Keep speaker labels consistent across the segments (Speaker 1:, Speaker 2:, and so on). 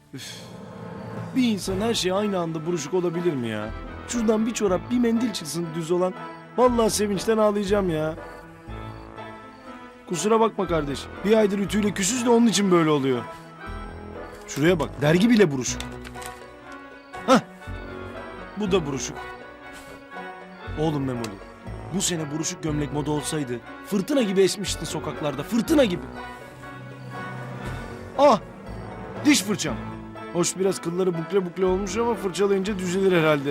Speaker 1: Bir insan her şey aynı anda buruşuk olabilir mi ya? Şuradan bir çorap, bir mendil çıksın düz olan. Vallahi sevinçten ağlayacağım ya. Kusura bakma kardeş. Bir aydır ütüyle küsüz de onun için böyle oluyor. Şuraya bak, dergi bile buruşuk. Hah, bu da buruşuk. Oğlum Memoli, bu sene buruşuk gömlek moda olsaydı fırtına gibi esmiştin sokaklarda, fırtına gibi. Ah, diş fırçam. Hoş biraz kılları bukle bukle olmuş ama fırçalayınca düzelir herhalde.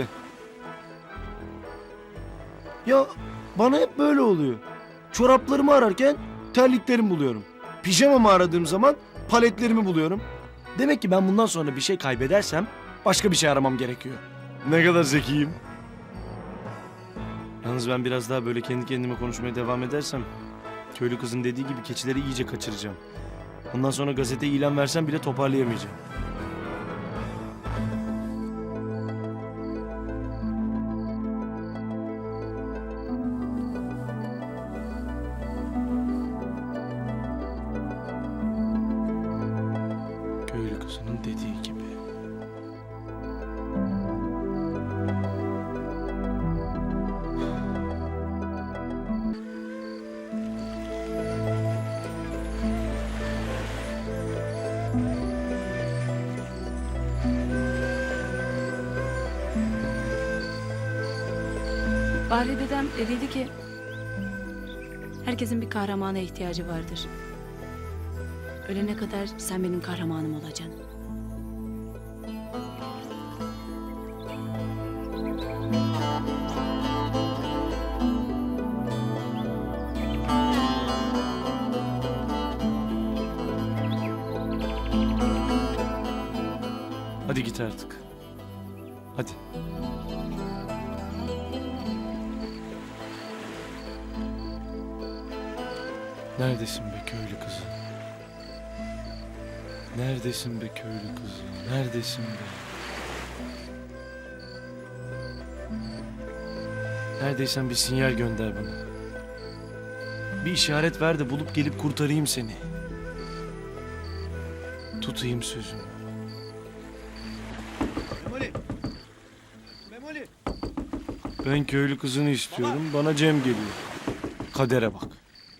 Speaker 1: Ya bana hep böyle oluyor. Çoraplarımı ararken terliklerimi buluyorum. Pijamamı aradığım zaman paletlerimi buluyorum. Demek ki ben bundan sonra bir şey kaybedersem başka bir şey aramam gerekiyor. Ne kadar zekiyim. Yalnız ben biraz daha böyle kendi kendime konuşmaya devam edersem köylü kızın dediği gibi keçileri iyice kaçıracağım. Ondan sonra gazete ilan versem bile toparlayamayacağım. Köylü kızının dediği gibi.
Speaker 2: Bahri dedem dediydi ki herkesin bir kahramana ihtiyacı vardır. Ölene kadar sen benim kahramanım olacaksın.
Speaker 1: Hadi git artık. Hadi. Neredesin be köylü kızı? Neredesin be köylü kızı? Neredesin be? Neredeysen bir sinyal gönder bana. Bir işaret ver de bulup gelip kurtarayım seni. Tutayım sözümü.
Speaker 3: Memoli! Memoli!
Speaker 1: Ben köylü kızını istiyorum. Bana Cem geliyor. Kadere bak.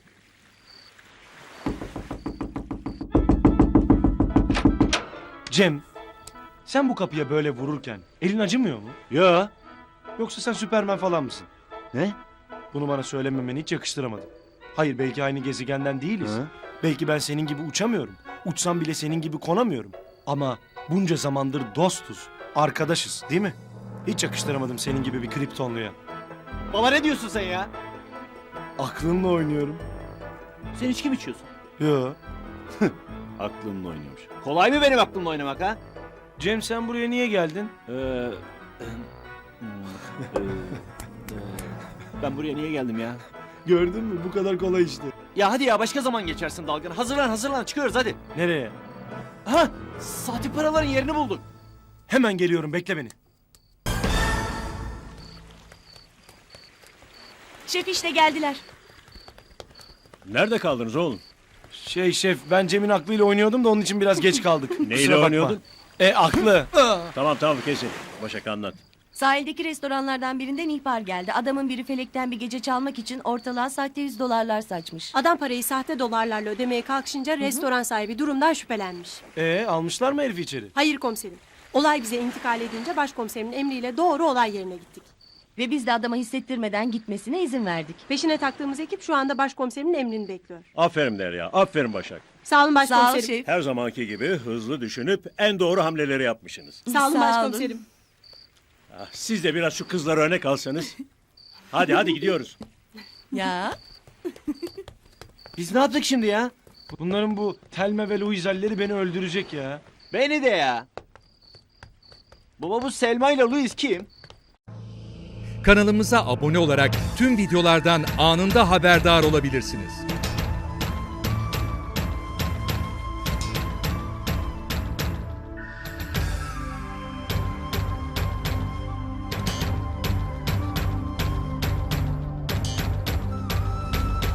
Speaker 1: Cem, sen bu kapıya böyle vururken elin acımıyor mu?
Speaker 3: Ya.
Speaker 1: Yoksa sen Süpermen falan mısın?
Speaker 3: Ne?
Speaker 1: Bunu bana söylememeni hiç yakıştıramadım. Hayır, belki aynı gezegenden değiliz.
Speaker 3: Hı?
Speaker 1: Belki ben senin gibi uçamıyorum. Uçsam bile senin gibi konamıyorum. Ama bunca zamandır dostuz, arkadaşız değil mi? Hiç yakıştıramadım senin gibi bir kriptonluya.
Speaker 3: Baba ne diyorsun sen ya?
Speaker 1: Aklınla oynuyorum.
Speaker 3: Sen içki mi içiyorsun?
Speaker 1: Yo.
Speaker 3: Aklımla oynuyormuş. Kolay mı benim aklımla oynamak ha?
Speaker 1: Cem, sen buraya niye geldin?
Speaker 3: Ben buraya niye geldim ya?
Speaker 1: Gördün mü? Bu kadar kolay işte.
Speaker 3: Ya hadi ya başka zaman geçersin dalgın. Hazırlan çıkıyoruz hadi.
Speaker 1: Nereye?
Speaker 3: Ha, sahte paraların yerini bulduk.
Speaker 1: Hemen geliyorum, bekle beni.
Speaker 2: Şef işte geldiler.
Speaker 4: Nerede kaldınız oğlum?
Speaker 1: Şef, ben Cem'in aklıyla oynuyordum da onun için biraz geç kaldık.
Speaker 4: Neyle
Speaker 1: Kusura bakma.
Speaker 4: oynuyordun?
Speaker 1: Aklı.
Speaker 4: Tamam kesin. Başak anlat.
Speaker 5: Sahildeki restoranlardan birinden ihbar geldi. Adamın biri felekten bir gece çalmak için ortalığa sahte $100 saçmış.
Speaker 6: Adam parayı sahte dolarlarla ödemeye kalkışınca restoran sahibi durumdan şüphelenmiş.
Speaker 1: Almışlar mı herifi içeri?
Speaker 6: Hayır komiserim. Olay bize intikal edince başkomiserimin emriyle doğru olay yerine gittik.
Speaker 5: Ve biz de adama hissettirmeden gitmesine izin verdik.
Speaker 6: Peşine taktığımız ekip şu anda başkomiserimin emrini bekliyor.
Speaker 4: Aferin Derya, aferin Başak.
Speaker 6: Sağ olun
Speaker 5: Sağ ol
Speaker 6: başkomiserim.
Speaker 5: şef.
Speaker 4: Her zamanki gibi hızlı düşünüp en doğru hamleleri yapmışsınız.
Speaker 6: Sağ olun
Speaker 5: Sağ olun.
Speaker 6: başkomiserim.
Speaker 4: Siz de biraz şu kızlara örnek alsanız. Hadi gidiyoruz.
Speaker 5: Ya.
Speaker 3: Biz ne yaptık şimdi ya?
Speaker 1: Bunların bu Telme ve Louisel'leri beni öldürecek ya.
Speaker 3: Beni de ya. Baba bu Selma ile Louis kim?
Speaker 7: Kanalımıza abone olarak tüm videolardan anında haberdar olabilirsiniz.